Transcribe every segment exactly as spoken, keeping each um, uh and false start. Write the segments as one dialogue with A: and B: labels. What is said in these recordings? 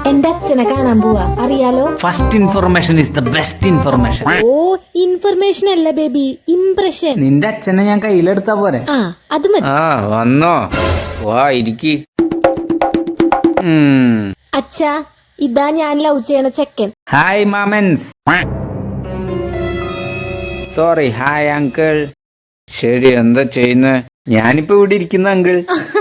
A: എന്റെ അച്ഛനെ കാണാൻ പോവാ, അറിയാലോ?
B: First information is the best information.
A: ഓ, ഇൻഫർമേഷൻ അല്ല ബേബി, ഇംപ്രഷൻ.
B: നിന്റെ അച്ഛനെ ഞാൻ കയ്യിലെടുത്താ പോരെ?
A: ആ, അത് മതി.
C: ആ വന്നോ, വാ ഇരിക്കി.
A: അച്ഛാ, ഇതാ ഞാൻ ലവ് ചെയ്യണ ചെക്കൻ.
B: ഹായ് മാമൻസ്.
C: Sorry, hi uncle. ശരി, എന്താ ചെയ്യുന്നേ?
B: ഞാനിപ്പോ ഇവിടെ ഇരിക്കുന്ന അങ്കിൾ.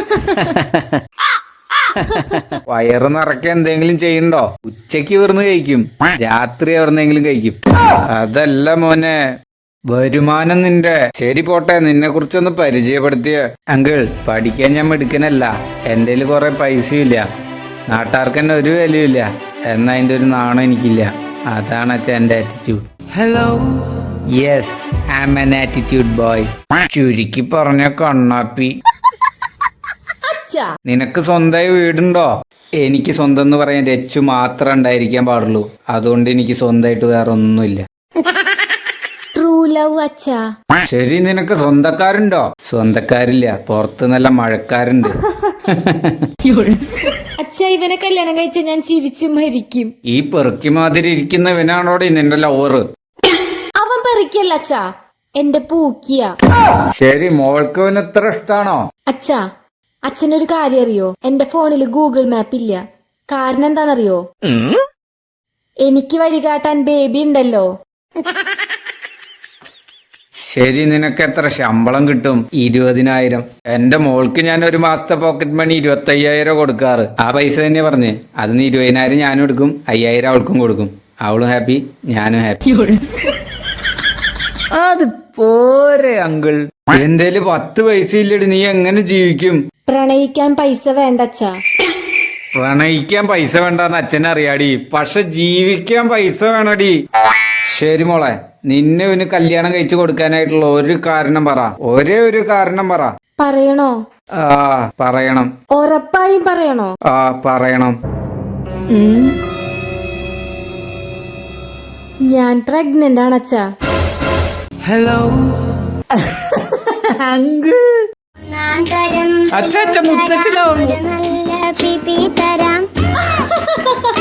C: വയറ് നിറയ്ക്കാൻ എന്തെങ്കിലും ചെയ്യണ്ടോ?
B: ഉച്ചക്ക് ഇവിടുന്ന് കഴിക്കും, രാത്രി എവിടുന്നെങ്കിലും കഴിക്കും.
C: അതല്ല മോനെ,
B: വരുമാനം നിന്റെ.
C: ശരി പോട്ടെ, നിന്നെ കുറിച്ചൊന്ന് പരിചയപ്പെടുത്തിയ.
B: അങ്കിൾ, പഠിക്കാൻ ഞാൻ മിടുക്കനല്ല. എന്റെ കയ്യിൽ കുറെ പൈസയും ഇല്ല, നാട്ടുകാർക്ക് തന്നെ ഒരു വിലയില്ല. എന്നാ അതിന്റെ ഒരു നാണം എനിക്കില്ല. അതാണ് അച്ഛൻ എന്റെ attitude.
C: Hello.
B: Yes, I am an attitude boy.
C: ചുരുക്കി പറഞ്ഞ കണ്ണാപ്പി.
A: അച്ഛാ,
C: നിനക്ക് സ്വന്തമായി വീടുണ്ടോ?
B: എനിക്ക് സ്വന്തം എന്ന് പറയാൻ രച്ചു മാത്രം ഉണ്ടായിരിക്കാൻ പാടുള്ളൂ. അതുകൊണ്ട് എനിക്ക് സ്വന്തമായിട്ട് വേറെ ഒന്നുമില്ല.
A: ട്രൂ ലവ് അച്ഛാ.
C: ശരി, നിനക്ക് സ്വന്തക്കാരുണ്ടോ?
B: സ്വന്തക്കാരില്ല, പുറത്ത് നല്ല മഴക്കാരുണ്ട്.
A: അച്ഛാ, ഇവനെ കല്യാണം കഴിച്ച ഞാൻ ചിരിച്ചു മരിക്കും.
C: ഈ പെറുക്കി മാതിരി ഇരിക്കുന്നവനാണോടെ നിന്റെ ലവറ്?
A: അവൻ പെറിക്കല്ല അച്ഛാ, എന്റെ പൂക്കിയ.
C: ശരി, മോൾക്ക് അവന് ഇത്ര ഇഷ്ടാണോ?
A: അച്ഛാ, അച്ഛനൊരു കാര്യം അറിയോ? എന്റെ ഫോണിൽ ഗൂഗിൾ മാപ്പ് ഇല്ല. കാരണം എന്താണെന്നറിയോ? എനിക്ക് വഴികാട്ടാൻ ബേബി ഉണ്ടല്ലോ.
C: ശരി, നിനക്ക് എത്ര ശമ്പളം കിട്ടും?
B: ഇരുപതിനായിരം.
C: എന്റെ മോൾക്ക് ഞാൻ ഒരു മാസത്തെ പോക്കറ്റ് മണി ഇരുപത്തി അയ്യായിരം കൊടുക്കാറ്.
B: ആ പൈസ തന്നെ പറഞ്ഞ്. അതിന് ഇരുപതിനായിരം ഞാനും എടുക്കും, അയ്യായിരം അവൾക്കും കൊടുക്കും. അവളും ഹാപ്പി, ഞാനും ഹാപ്പി.
C: അത് പോരെ അങ്കിൾ. എന്തേലും പത്ത് പൈസ ഇല്ലടി, നീ എങ്ങനെ ജീവിക്കും?
A: പ്രണയിക്കാൻ പൈസ വേണ്ട അച്ഛാ.
C: പ്രണയിക്കാൻ പൈസ വേണ്ടെന്ന് അച്ഛനറിയാടി, പക്ഷെ ജീവിക്കാൻ പൈസ വേണടി. ശരി മോളെ, നിന്നെ ഇവന് കല്യാണം കഴിച്ചു കൊടുക്കാനായിട്ടുള്ള ഒരു കാരണം പറ. ഒരേ ഒരു കാരണം പറ.
A: പറയണോ?
C: ആ പറയണം.
A: ഉറപ്പായും പറയണോ?
C: ആ പറയണം.
A: ഉം. ഞാൻ പ്രഗ്നന്റ് ആണ് അച്ഛാ.
C: Hello uncle. അച്ഛ അച്ഛ മുത്തച്ഛനാവുന്നു.